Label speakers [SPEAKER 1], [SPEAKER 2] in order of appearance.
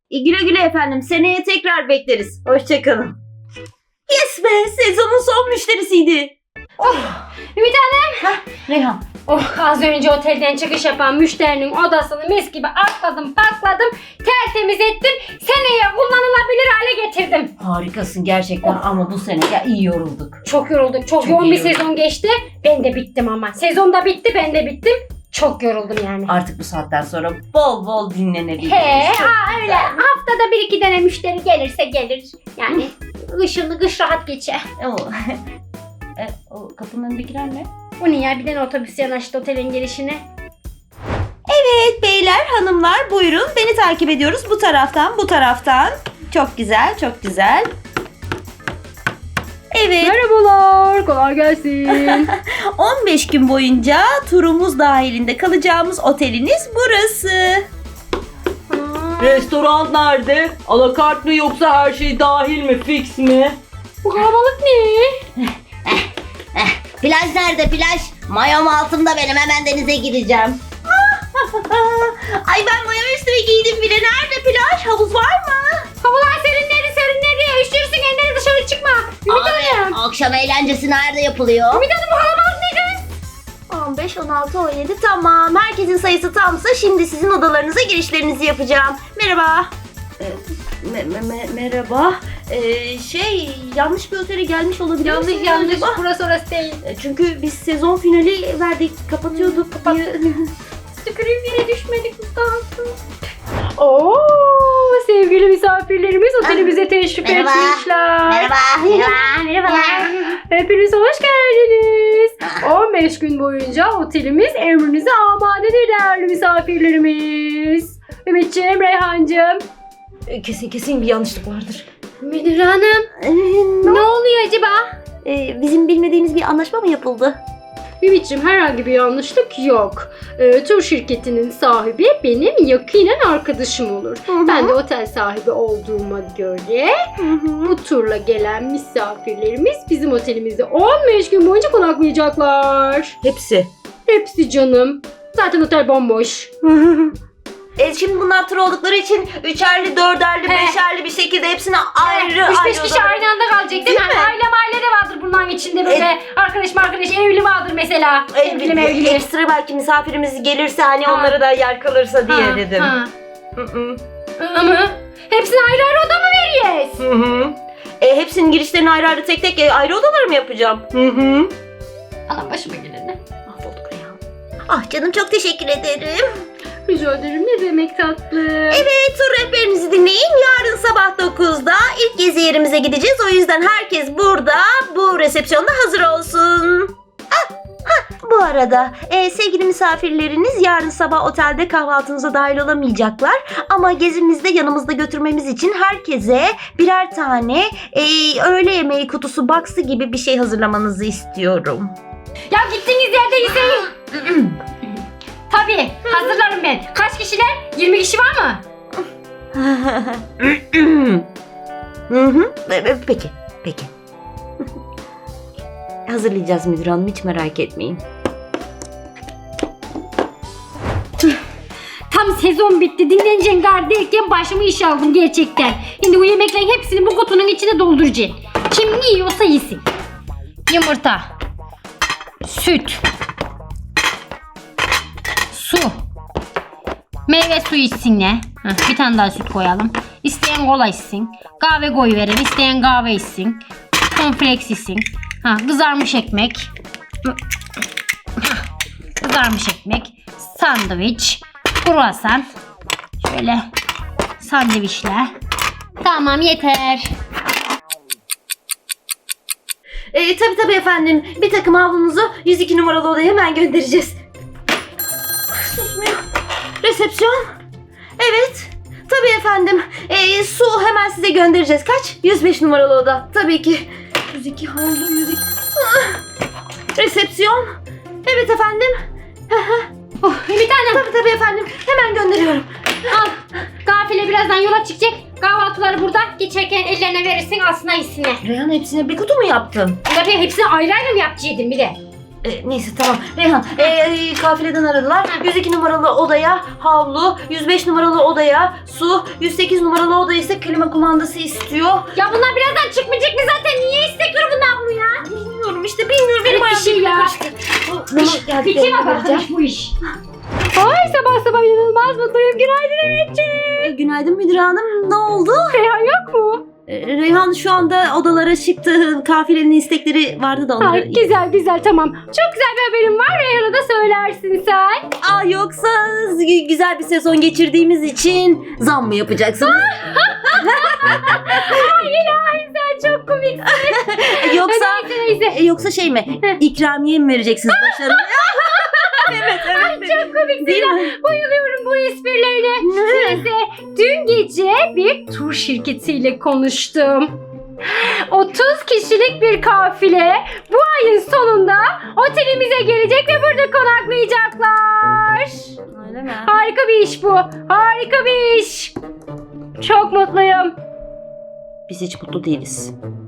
[SPEAKER 1] Güle güle efendim. Seneye tekrar bekleriz. Hoşçakalın. Yes be! Sezonun son müşterisiydi.
[SPEAKER 2] Ümit Hanım.
[SPEAKER 1] Reyhan.
[SPEAKER 2] Az önce otelden çıkış yapan müşterinin odasını mis gibi atladım, pakladım, tertemiz ettim. Seneye kullanılabilir hale getirdim.
[SPEAKER 1] Harikasın gerçekten ama bu sene ya iyi yorulduk.
[SPEAKER 2] Çok yorulduk. Çok
[SPEAKER 1] Çok
[SPEAKER 2] yoğun
[SPEAKER 1] iyi
[SPEAKER 2] bir
[SPEAKER 1] yorulduk.
[SPEAKER 2] sezon geçti. Ben de bittim ama. Sezon da bitti, ben de bittim. Çok yoruldum yani.
[SPEAKER 1] Artık bu saatten sonra bol bol dinlenebiliriz.
[SPEAKER 2] Öyle. Haftada 1-2 tane müşteri gelirse gelir. Yani kış rahat geçer.
[SPEAKER 1] O kapının önündekiler ne?
[SPEAKER 2] Bu ne ya? Bir tane otobüs yanaştı otelin girişine.
[SPEAKER 1] Evet beyler hanımlar buyurun beni takip ediyoruz bu taraftan. Çok güzel çok güzel. Evet.
[SPEAKER 2] Merhabalar. Kolay gelsin.
[SPEAKER 1] 15 gün boyunca turumuz dahilinde kalacağımız oteliniz burası.
[SPEAKER 3] Restoran nerede? Alakart mı yoksa her şey dahil mi? Fix mi?
[SPEAKER 2] Bu kalabalık ne?
[SPEAKER 1] Plaj nerede plaj? Mayom altımda benim hemen denize gireceğim. Ay ben mayo üstüme giydim bile. Nerede plaj? Havuz var mı?
[SPEAKER 2] Havalar serinleri. Üşürsün elleri dışarı çıkma. Ümit Hanım.
[SPEAKER 1] Akşam eğlencesi nerede yapılıyor?
[SPEAKER 2] Ümit Hanım bu kalabalık ne kız?
[SPEAKER 1] 15, 16, 17 tamam. Herkesin sayısı tamsa şimdi sizin odalarınıza girişlerinizi yapacağım. Merhaba. Merhaba. Yanlış bir otele gelmiş olabilir misiniz
[SPEAKER 2] Yanlış.
[SPEAKER 1] acaba?
[SPEAKER 2] Burası değil.
[SPEAKER 1] Çünkü biz sezon finali verdik. Kapatıyorduk.
[SPEAKER 2] Tükürüğüm yere düşmedik Mustafa. Oo, sevgili misafirlerimiz otelimize teşrif
[SPEAKER 1] Merhaba.
[SPEAKER 2] etmişler.
[SPEAKER 1] Merhabalar.
[SPEAKER 2] Hepiniz hoş geldiniz. 15 gün boyunca otelimiz emrinize amadedir değerli misafirlerimiz. Ümitciğim, Reyhancığım.
[SPEAKER 1] Kesin bir yanlışlık vardır.
[SPEAKER 2] Müdür Hanım, ne oluyor acaba?
[SPEAKER 1] Bizim bilmediğimiz bir anlaşma mı yapıldı?
[SPEAKER 2] Ümitciğim, herhangi bir yanlışlık yok. Tur şirketinin sahibi benim yakinen arkadaşım olur. Ben de otel sahibi olduğuma göre bu turla gelen misafirlerimiz bizim otelimizde 15 gün boyunca konaklayacaklar. Hepsi canım. Zaten otel bomboş.
[SPEAKER 1] Şimdi bunlar tur oldukları için üçerli, dörderli, beşerli bir şekilde hepsine ayrı
[SPEAKER 2] 3-5 kişi
[SPEAKER 1] odalar.
[SPEAKER 2] aynı anda kalacak değil mi?
[SPEAKER 1] Değil mi?
[SPEAKER 2] Aile de vardır bunların içinde böyle. Arkadaş evli vardır mesela. Evli.
[SPEAKER 1] Ekstra belki misafirimiz gelirse hani
[SPEAKER 2] Ha.
[SPEAKER 1] onlara da yer kalırsa diye dedim.
[SPEAKER 2] Ama hepsine ayrı oda mı vereceğiz?
[SPEAKER 1] Hepsinin girişlerini ayrı tek ayrı odalara mı yapacağım?
[SPEAKER 2] Allah başıma geleni.
[SPEAKER 1] Mahvolduk ya. Ah canım çok teşekkür ederim.
[SPEAKER 2] Rica ederim, ne demek tatlı.
[SPEAKER 1] Evet tur rehberinizi dinleyin. Yarın sabah 9'da ilk gezi yerimize gideceğiz. O yüzden herkes burada bu resepsiyonda hazır olsun. Bu arada sevgili misafirleriniz yarın sabah otelde kahvaltınıza dahil olamayacaklar. Ama gezimizde yanımızda götürmemiz için herkese birer tane öğle yemeği kutusu box'ı gibi bir şey hazırlamanızı istiyorum.
[SPEAKER 2] Ya gittiğiniz yerde yiyin. Tabii hazırlarım ben. Kaç kişiler? 20 kişi var mı?
[SPEAKER 1] Peki. Hazırlayacağız müdür hanım, hiç merak etmeyin.
[SPEAKER 2] Tam sezon bitti. Dinleneceksin gar derken başımı iş aldım gerçekten. Şimdi bu yemeklerin hepsini bu kutunun içine dolduracaksın. Kim ne yiyorsa yesin. Yumurta. Süt. Su. Meyve suyu içsinler. Bir tane daha süt koyalım. İsteyen kola içsin. Kahve koyuverelim. İsteyen kahve içsin. Cornflakes içsin. Kızarmış ekmek. Kızarmış ekmek. Sandviç. Kruvasan. Şöyle sandviçler. Tamam yeter.
[SPEAKER 1] Tabii efendim. Bir takım havlunuzu 102 numaralı odaya hemen göndereceğiz. Susmuyor. Resepsiyon. Evet. Tabii efendim. Su hemen size göndereceğiz. Kaç? 105 numaralı oda. Tabii ki. 102 havlu 102. Resepsiyon. Evet efendim.
[SPEAKER 2] Bir tane.
[SPEAKER 1] Tabii efendim. Hemen gönderiyorum.
[SPEAKER 2] Al. Gafile birazdan yola çıkacak. Kahvaltıları burada. Geçerken ellerine verirsin, alsın yesinler.
[SPEAKER 1] Reyhan hepsine bir kutu mu yaptın?
[SPEAKER 2] Tabii hepsini ayrı ayrı mı yapacaktın bir de?
[SPEAKER 1] Neyse tamam. Reyhan kafileden aradılar. 102 numaralı odaya havlu, 105 numaralı odaya su, 108 numaralı odaya ise klima kumandası istiyor.
[SPEAKER 2] Ya bunlar birazdan çıkmayacak mı zaten? Niye istek grubundan bunu ya?
[SPEAKER 1] Bilmiyorum işte bilmiyorum. Benim
[SPEAKER 2] Evet, bir şey
[SPEAKER 1] ayağım
[SPEAKER 2] ya.
[SPEAKER 1] karıştı. Bunu
[SPEAKER 2] Biçim arkadaş bu iş. Ay sabah sabah inanılmaz mutluyum. Günaydın Evetciğim.
[SPEAKER 1] Günaydın müdür hanım. Ne oldu?
[SPEAKER 2] Reyhan yok mu?
[SPEAKER 1] Reyhan şu anda odalara çıktı. Kafilenin istekleri vardı da onları...
[SPEAKER 2] Ay, güzel tamam. Çok güzel bir haberim var. Reyhan'a da söylersin sen.
[SPEAKER 1] Yoksa güzel bir sezon geçirdiğimiz için zam mı yapacaksınız?
[SPEAKER 2] Ay ilahi sen çok komiksin.
[SPEAKER 1] Yoksa
[SPEAKER 2] Neyse.
[SPEAKER 1] yoksa şey mi? İkramiye mi vereceksiniz başarılı? evet.
[SPEAKER 2] Çok komiksin
[SPEAKER 1] Değil
[SPEAKER 2] ya.
[SPEAKER 1] mi?
[SPEAKER 2] Bayılıyorum bu esprilerine. Neyse dün gece bir tur şirketiyle konuştum. 30 kişilik bir kafile bu ayın sonunda otelimize gelecek ve burada konaklayacaklar.
[SPEAKER 1] Öyle mi?
[SPEAKER 2] Harika bir iş bu. Harika bir iş. Çok mutluyum.
[SPEAKER 1] Biz hiç mutlu değiliz.